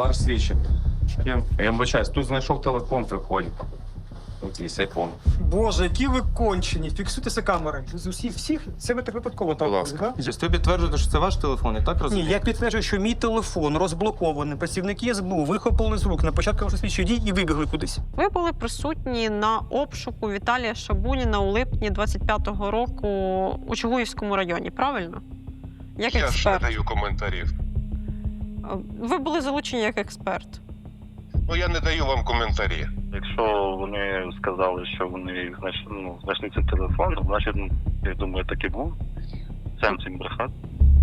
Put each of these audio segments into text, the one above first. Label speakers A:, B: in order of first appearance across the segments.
A: Ваш слідчий. Я вибачаюсь, тут знайшов телефон в вході. Якийсь айфон.
B: Боже, які ви кончені. Фіксуйтеся камери. З всіх це ви так випадково так.
A: Будь ласка.
B: Да?
C: Ви підтверджуєте, що це ваш телефон, і так
B: Ні,
C: розумієте?
B: я підтверджую, що мій телефон розблокований. Працівники СБУ вихопили з рук на початку вашої слідчої дії і вибігли кудись.
D: Ви були присутні на обшуку Віталія Шабуніна у липні 25-го року у Чугуївському районі, правильно? Як
E: Я ж не
D: експерт.
E: даю коментарів.
D: Ви були залучені як експерт.
E: Ну, я не даю вам коментарі.
F: Якщо вони сказали, що вони знайшли цей телефон, значить, я думаю, так і був. Сенс їм брехати.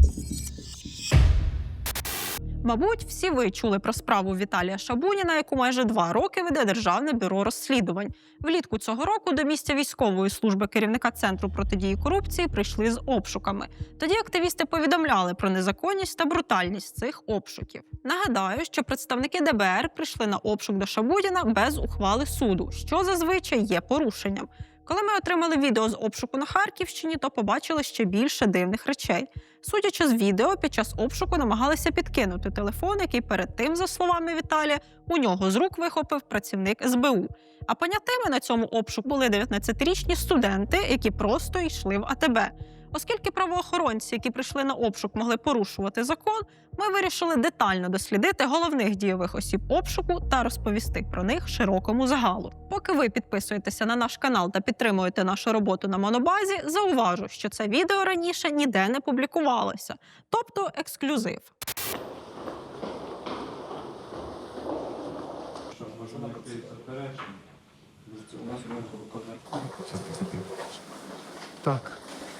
D: Мабуть, всі ви чули про справу Віталія Шабуніна, яку майже 2 роки веде Державне бюро розслідувань. Влітку цього року до місця військової служби керівника Центру протидії корупції прийшли з обшуками. Тоді активісти повідомляли про незаконність та брутальність цих обшуків. Нагадаю, що представники ДБР прийшли на обшук до Шабуніна без ухвали суду, що зазвичай є порушенням. Коли ми отримали відео з обшуку на Харківщині, то побачили ще більше дивних речей. Судячи з відео, під час обшуку намагалися підкинути телефон, який перед тим, за словами Віталія, у нього з рук вихопив працівник СБУ. А понятими на цьому обшуку були 19-річні студенти, які просто йшли в АТБ. Оскільки правоохоронці, які прийшли на обшук, могли порушувати закон, ми вирішили детально дослідити головних дійових осіб обшуку та розповісти про них широкому загалу. Поки ви підписуєтеся на наш канал та підтримуєте нашу роботу на Монобазі, зауважу, що це відео раніше ніде не публікувалося, тобто ексклюзив.
B: Так.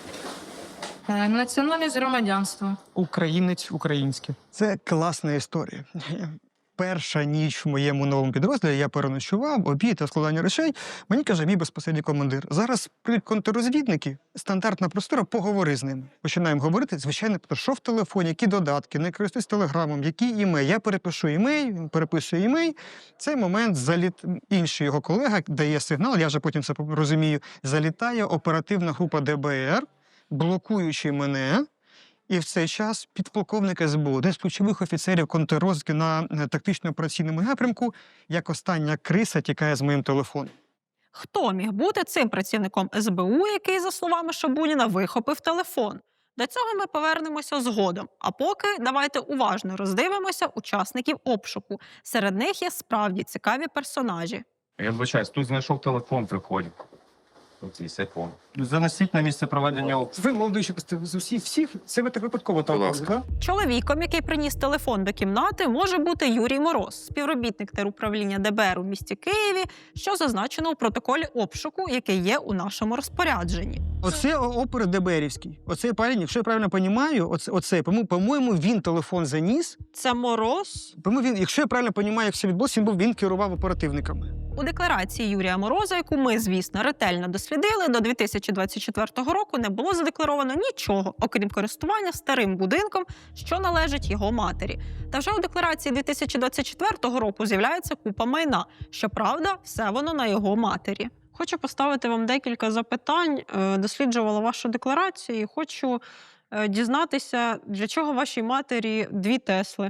G: Національність громадянства.
B: Українець українське. Це класна історія. Перша ніч в моєму новому підрозділі, я переночував, обід та складання речей, мені каже мій безпосередній командир. Зараз прийдуть контррозвідники, стандартна процедура, поговори з ними. Починаємо говорити, звичайно, про що в телефоні, які додатки, не користуюсь телеграмом, які імей. Я перепишу імей, він переписує імей. В цей момент інший його колега дає сигнал, я вже потім це розумію, залітає оперативна група ДБР, блокуючи мене. І в цей час підполковник СБУ, один з ключових офіцерів контррозвідки на тактично-операційному напрямку, як остання криса тікає з моїм телефоном.
D: Хто міг бути цим працівником СБУ, який, за словами Шабуніна, вихопив телефон? До цього ми повернемося згодом. А поки давайте уважно роздивимося учасників обшуку. Серед них є справді цікаві персонажі.
A: Я вибачаюсь, тут знайшов телефон в вході. Якийсь айфон.
C: Занесіть на місце проведення обшуку.
B: Ви, молодий, що з всіх це ви так випадково так.
A: Будь ласка.
B: Да?
D: Чоловіком, який приніс телефон до кімнати, може бути Юрій Мороз, співробітник теруправління ДБР у місті Києві, що зазначено у протоколі обшуку, який є у нашому розпорядженні.
B: Оце опер ДБРівський. Оцей парень, якщо я правильно розумію, по-моєму, він телефон заніс.
D: Це Мороз?
B: По-моєму, якщо я правильно розумію, як все відбулося, він керував оперативниками.
D: У декларації Юрія Мороза, яку ми, звісно, ретельно дослідили, до 2024 року не було задекларовано нічого, окрім користування старим будинком, що належить його матері. Та вже у декларації 2024 року з'являється купа майна. Щоправда, все воно на його матері. Хочу поставити вам декілька запитань. Досліджувала вашу декларацію і хочу дізнатися, для чого вашій матері 2 Тесли.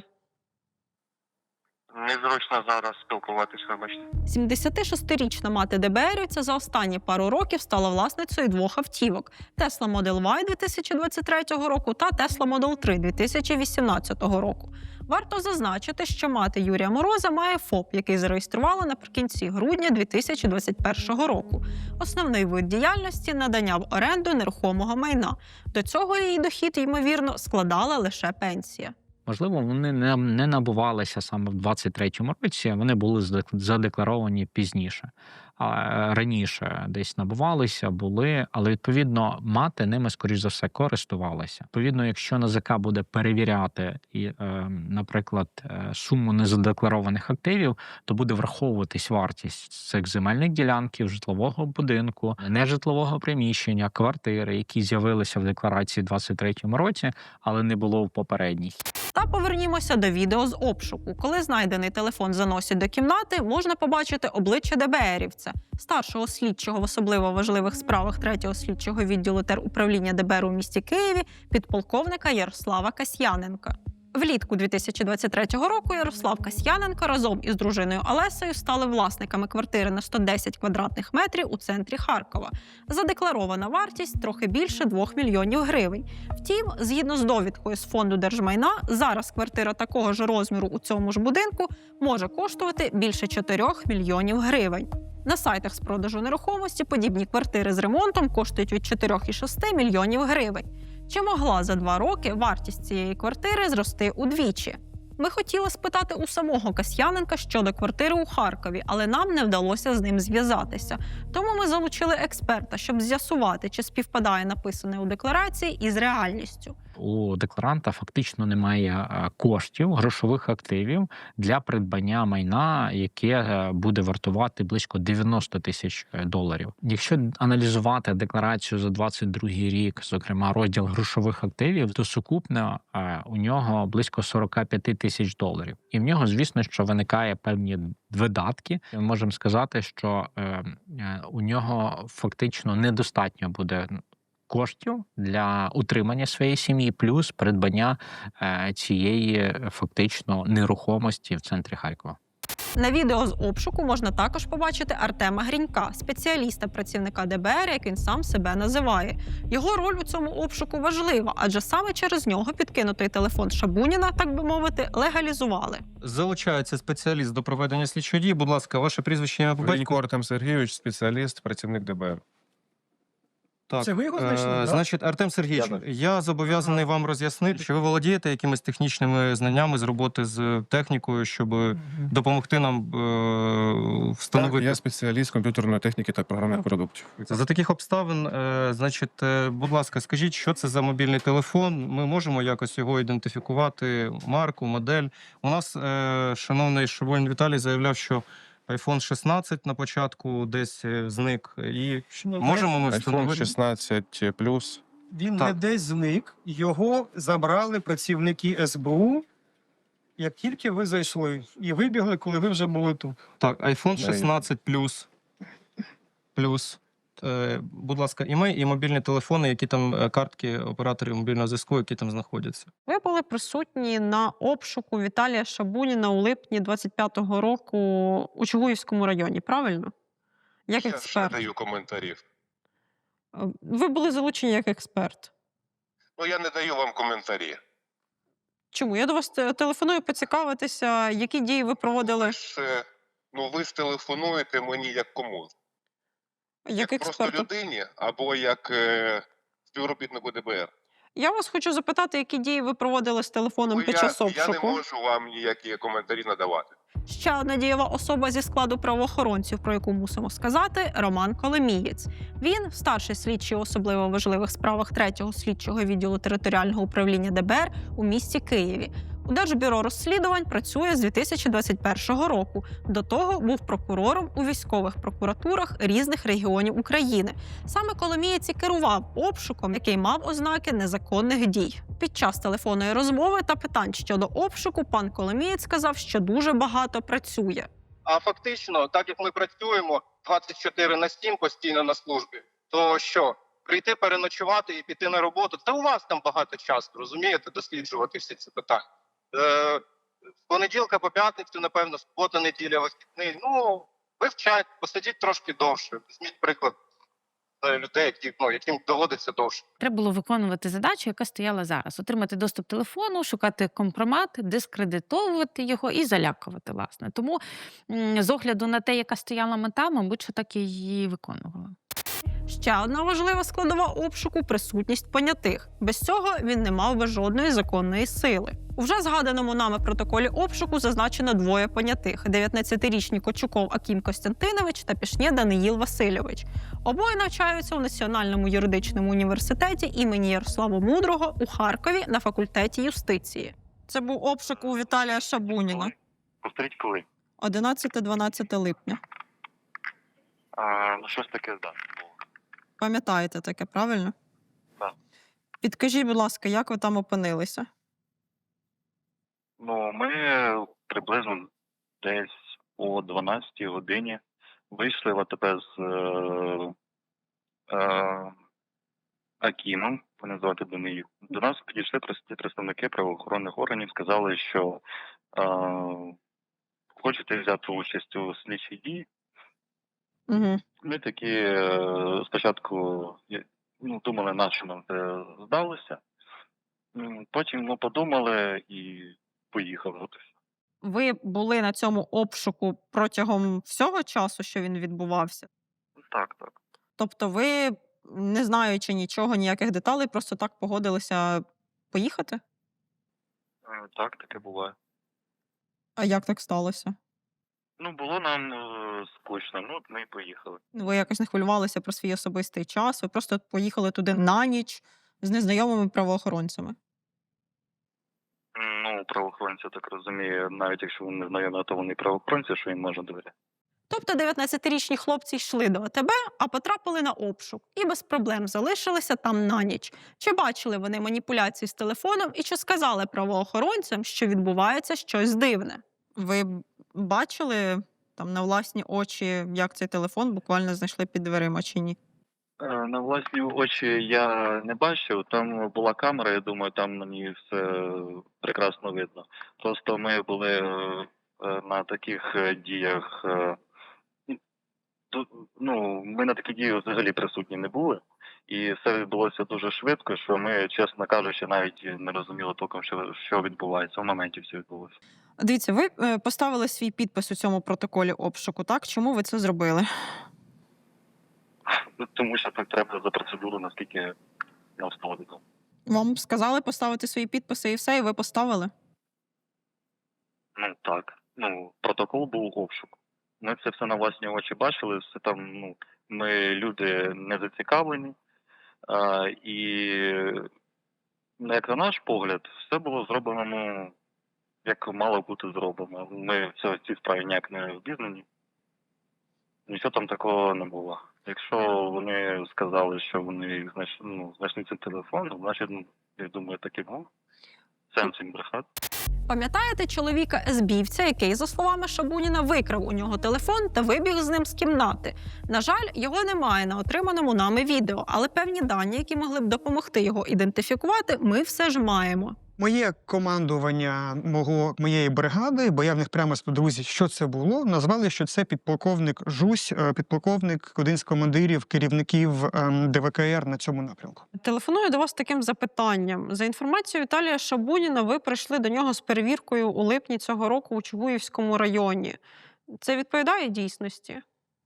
E: Незручно зараз спілкуватись, вибачте.
D: 76-річна мати ДБРівця за останні пару років стала власницею 2 автівок – Tesla Model Y 2023 року та Tesla Model 3 2018 року. Варто зазначити, що мати Юрія Мороза має ФОП, який зареєструвала наприкінці грудня 2021 року. Основний вид діяльності – надання в оренду нерухомого майна. До цього її дохід, ймовірно, складала лише пенсія.
H: Можливо, вони не набувалися саме в 23-му році, вони були задекларовані пізніше. Раніше десь набувалися, були, але, відповідно, мати ними, скоріш за все, користувалася. Відповідно, якщо НАЗК буде перевіряти, наприклад, суму незадекларованих активів, то буде враховуватись вартість цих земельних ділянків, житлового будинку, нежитлового приміщення, квартири, які з'явилися в декларації в 23-му році, але не було в попередній.
D: Та повернімося до відео з обшуку. Коли знайдений телефон заносять до кімнати, можна побачити обличчя ДБРівця, старшого слідчого в особливо важливих справах 3-го слідчого відділу теруправління ДБР у місті Києві, підполковника Ярослава Касьяненка. Влітку 2023 року Ярослав Касьяненко разом із дружиною Олесею стали власниками квартири на 110 квадратних метрів у центрі Харкова. Задекларована вартість трохи більше 2 мільйонів гривень. Втім, згідно з довідкою з фонду держмайна, зараз квартира такого ж розміру у цьому ж будинку може коштувати більше 4 мільйонів гривень. На сайтах з продажу нерухомості подібні квартири з ремонтом коштують від 4,6 мільйонів гривень. Чи могла за 2 роки вартість цієї квартири зрости удвічі? Ми хотіли спитати у самого Касьяненка щодо квартири у Харкові, але нам не вдалося з ним зв'язатися. Тому ми залучили експерта, щоб з'ясувати, чи співпадає написане у декларації із реальністю.
H: У декларанта фактично немає коштів, грошових активів для придбання майна, яке буде вартувати близько 90 тисяч доларів. Якщо аналізувати декларацію за 22 рік, зокрема розділ грошових активів, то сукупно у нього близько 45 тисяч доларів. І в нього, звісно, що виникає певні видатки. Ми можемо сказати, що у нього фактично недостатньо буде коштів для утримання своєї сім'ї, плюс придбання цієї фактично нерухомості в центрі Харкова.
D: На відео з обшуку можна також побачити Артема Грінька, спеціаліста-працівника ДБР, як він сам себе називає. Його роль у цьому обшуку важлива, адже саме через нього підкинутий телефон Шабуніна, так би мовити, легалізували.
C: Залучається спеціаліст до проведення слідчої дії. Будь ласка, ваше прізвище, ім'я, по батькові?
G: Гринько Артем Сергійович, спеціаліст, працівник ДБР.
C: Так.
B: Це ви його знайшли, так?
C: Значить, Артем Сергійович, я зобов'язаний вам роз'яснити, що ви володієте якимись технічними знаннями з роботи з технікою, щоб допомогти нам встановити.
G: Я спеціаліст комп'ютерної техніки та програмних продуктів.
C: За таких обставин, значить, будь ласка, скажіть, що це за мобільний телефон? Ми можемо якось його ідентифікувати, марку, модель. У нас, шановний Шабунін Віталій, заявляв, що iPhone 16 на початку десь зник. І можемо ми
G: iPhone
C: встановити?
G: 16 Plus.
B: Він
C: Так.
B: не десь зник, його забрали працівники СБУ, як тільки ви зайшли, і вибігли, коли ви вже були тут.
C: Так, iPhone 16 Plus. Будь ласка, імей і мобільні телефони, які там картки операторів мобільного зв'язку, які там знаходяться.
D: Ви були присутні на обшуку Віталія Шабуніна у липні 25-го року у Чугуївському районі, правильно? Як
E: Я ж не
D: експерт.
E: даю коментарів.
D: Ви були залучені як експерт.
E: Ну я не даю вам коментарі.
D: Чому? Я до вас телефоную поцікавитися, які дії ви проводили
E: Ви ж телефонуєте мені як кому?
D: як
E: Просто
D: експерту.
E: людині або як співробітнику ДБР.
D: Я вас хочу запитати, які дії ви проводили з телефоном під час
E: Я
D: обшуку.
E: не можу вам ніякі коментарі надавати.
D: Ще одна дієва особа зі складу правоохоронців, про яку мусимо сказати, Роман Коломієць. Він старший слідчий у особливо важливих справах 3-го слідчого відділу територіального управління ДБР у місті Києві. У Держбюро розслідувань працює з 2021 року. До того був прокурором у військових прокуратурах різних регіонів України. Саме Коломієць і керував обшуком, який мав ознаки незаконних дій. Під час телефонної розмови та питань щодо обшуку пан Коломієць сказав, що дуже багато працює.
I: А фактично, так як ми працюємо 24/7 постійно на службі, то що? Прийти переночувати і піти на роботу, та у вас там багато часу, розумієте, досліджувати всі ці питання. З понеділка по п'ятницю, напевно, субота, неділя, вихідний. Вивчайте, посидіть трошки довше. Візьміть приклад людей, яким доводиться довше.
J: Треба було виконувати задачу, яка стояла зараз. Отримати доступ телефону, шукати компромат, дискредитовувати його і залякувати, власне. Тому з огляду на те, яка стояла мета, мабуть, що так і її виконувала.
D: Ще одна важлива складова обшуку – присутність понятих. Без цього він не мав би жодної законної сили. У вже згаданому нами протоколі обшуку зазначено 2 понятих – 19-річний Кочуков Акім Костянтинович та Пішнє Даниїл Васильович. Обоє навчаються у Національному юридичному університеті імені Ярослава Мудрого у Харкові на факультеті юстиції. Це був обшук у Віталія Шабуніна.
F: Повторіть коли?
D: 11-12 липня.
F: Щось таке, так.
D: Пам'ятаєте таке, правильно?
F: Так.
D: Підкажіть, будь ласка, як ви там опинилися?
F: Ми приблизно десь о 12-й годині вийшли в АТП з Акімом Мене звати Даниїл. До нас підійшли представники правоохоронних органів, сказали, що хочете взяти участь у слідчій дії.
D: Угу.
F: Ми такі спочатку думали, на що нам це здалося. Потім подумали і поїхали. От і все.
D: Ви були на цьому обшуку протягом всього часу, що він відбувався?
F: Так, так.
D: Тобто ви, не знаючи нічого, ніяких деталей, просто так погодилися поїхати?
F: Так, таке буває.
D: А як так сталося?
F: Було нам скучно, ми і поїхали.
D: Ви якось не хвилювалися про свій особистий час, ви просто поїхали туди на ніч з незнайомими правоохоронцями.
F: Правоохоронці, я так розумію, навіть якщо вони не знайомі, то вони правоохоронці, що їм можна довіряти.
D: Тобто 19-річні хлопці йшли до АТБ, а потрапили на обшук і без проблем залишилися там на ніч. Чи бачили вони маніпуляції з телефоном і чи сказали правоохоронцям, що відбувається щось дивне? Ви бачили там на власні очі, як цей телефон буквально знайшли під дверима чи ні?
F: На власні очі я не бачив, там була камера, я думаю, там на ній все прекрасно видно. Просто ми були на таких діях, ми на такі дії взагалі присутні не були. І все відбулося дуже швидко, що ми, чесно кажучи, навіть не розуміли толком, що відбувається. В моменті все відбулося.
D: Дивіться, ви поставили свій підпис у цьому протоколі обшуку, так? Чому ви це зробили?
F: Тому що так треба за процедуру, наскільки нам стало відомо.
D: Вам сказали поставити свої підписи і все, і ви поставили?
F: Так. Протокол був обшук. Ми це все на власні очі бачили, все там, ми люди не зацікавлені. І, як на наш погляд, все було зроблено, як мало бути зроблено. Ми в цій справі ніяк не обізнані. Нічого там такого не було. Якщо вони сказали, що вони знайшли цей телефон, значить, я думаю, так і був. Сенс їм брехати.
D: Пам'ятаєте чоловіка СБівця, який, за словами Шабуніна, викрав у нього телефон та вибіг з ним з кімнати? На жаль, його немає на отриманому нами відео, але певні дані, які могли б допомогти його ідентифікувати, ми все ж маємо.
B: Моє командування моєї бригади, бо я в них прямо спитав, друзі, що це було, назвали, що це підполковник Жусь, підполковник, один з командирів, керівників ДВКР на цьому напрямку.
D: Телефоную до вас з таким запитанням. За інформацією Віталія Шабуніна, ви прийшли до нього з перевіркою у липні цього року у Чугуївському районі. Це відповідає дійсності?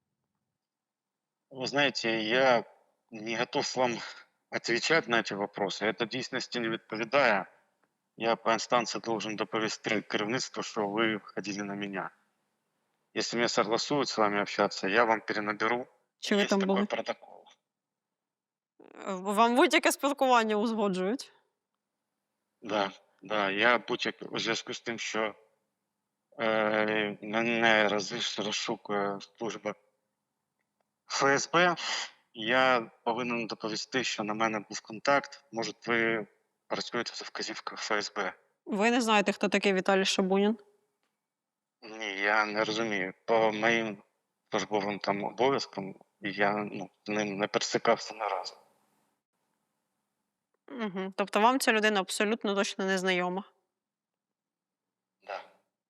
K: Вы знаете, я не готов вам отвечать на эти вопросы. Это дійсності не відповідає. Я по инстанции должен доповести керівництву, что вы ходили на меня. Если мне согласуют с вами общаться, я вам перенаберу.
D: Чи ви
K: Есть
D: там
K: такой
D: були?
K: протокол.
D: Вам будь-яке спілкування узгоджують?
K: Да, я будь-як у зв'язку з тим, що мене розшукує служба ФСБ, я повинен доповісти, що на мене був контакт. Може, ви працюєте за вказівкою ФСБ?
D: Ви не знаєте, хто такий Віталій Шабунін?
K: Ні, я не розумію. По моїм службовим там обов'язкам я з ним не пересикався ні разу.
D: Угу. Тобто вам ця людина абсолютно точно не знайома?
K: Да.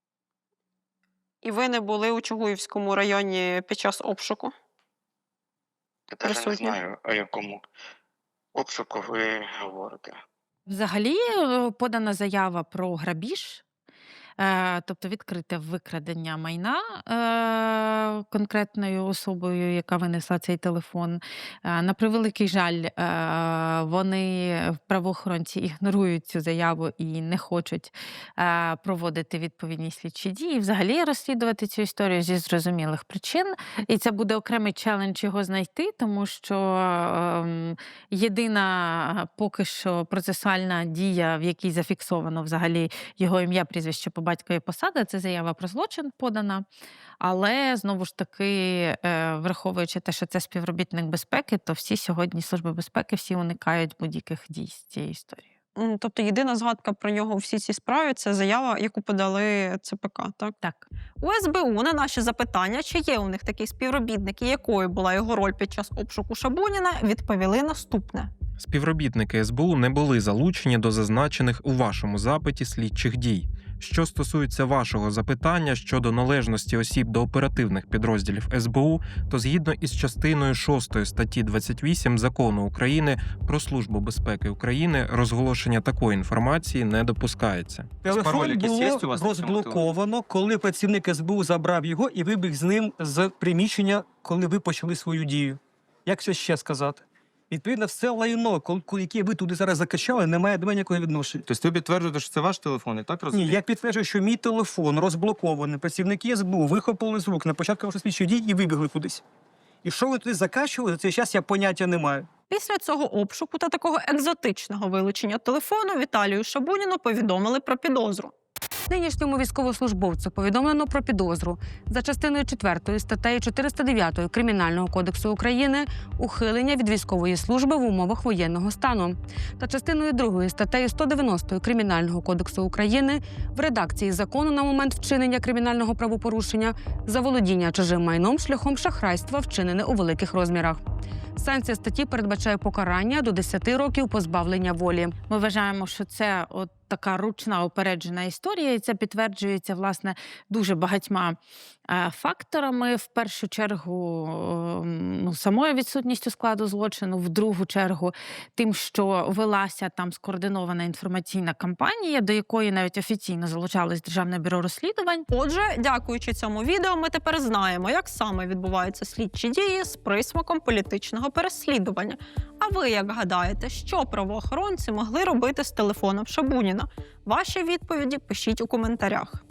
D: І ви не були у Чугуївському районі під час обшуку?
K: Я навіть не
D: Присутні.
K: знаю, о якому обшуку ви говорите.
J: Взагалі подана заява про грабіж, тобто відкрите викрадення майна конкретною особою, яка винесла цей телефон. На превеликий жаль, вони, правоохоронці, ігнорують цю заяву і не хочуть проводити відповідні слідчі дії, взагалі розслідувати цю історію зі зрозумілих причин. І це буде окремий челендж його знайти, тому що єдина поки що процесуальна дія, в якій зафіксовано взагалі його ім'я, прізвище по батькові, посада, це заява про злочин подана. Але, знову ж таки, враховуючи те, що це співробітник безпеки, то всі сьогодні служби безпеки всі уникають будь-яких дій з цією історією.
D: Тобто єдина згадка про нього у всій цій справі – це заява, яку подали ЦПК, так?
J: Так.
D: У СБУ на наші запитання, чи є у них такі співробітники, якою була його роль під час обшуку Шабуніна, відповіли наступне.
C: Співробітники СБУ не були залучені до зазначених у вашому запиті слідчих дій. Що стосується вашого запитання щодо належності осіб до оперативних підрозділів СБУ, то згідно із частиною 6 статті 28 Закону України про Службу безпеки України розголошення такої інформації не допускається.
B: Телефон
C: Пароль якийсь є у
B: було
C: вас на цьому
B: розблоковано, коли працівник СБУ забрав його і вибіг з ним з приміщення, коли ви почали свою дію. Як це ще сказати? Відповідно, все лайно, яке ви туди зараз закачали, не має до мене ніякого відношення.
C: Тобто ви підтверджуєте, що це ваш телефон, і так
B: Ні,
C: розумієте?
B: я підтверджую, що мій телефон розблокований. Працівники СБУ вихопили з рук на початку вашої слідчої дій і вибігли кудись. І що ви туди закачували, за цей час я поняття не маю.
D: Після цього обшуку та такого екзотичного вилучення телефону Віталію Шабуніну повідомили про підозру.
L: Нинішньому військовослужбовцю повідомлено про підозру за частиною 4 статтею 409 Кримінального кодексу України ухилення від військової служби в умовах воєнного стану та частиною 2 статтею 190 Кримінального кодексу України в редакції закону на момент вчинення кримінального правопорушення заволодіння чужим майном шляхом шахрайства, вчинене у великих розмірах. Санкція статті передбачає покарання до 10 років позбавлення волі.
J: Ми вважаємо, що це от така ручна упереджена історія, і це підтверджується, власне, дуже багатьма факторами. В першу чергу, самою відсутністю складу злочину, в другу чергу тим, що велася там скоординована інформаційна кампанія, до якої навіть офіційно залучалось Державне бюро розслідувань.
D: Отже, дякуючи цьому відео, ми тепер знаємо, як саме відбуваються слідчі дії з присмаком політичного переслідування. А ви як гадаєте, що правоохоронці могли робити з телефоном Шабуніна? Ваші відповіді пишіть у коментарях.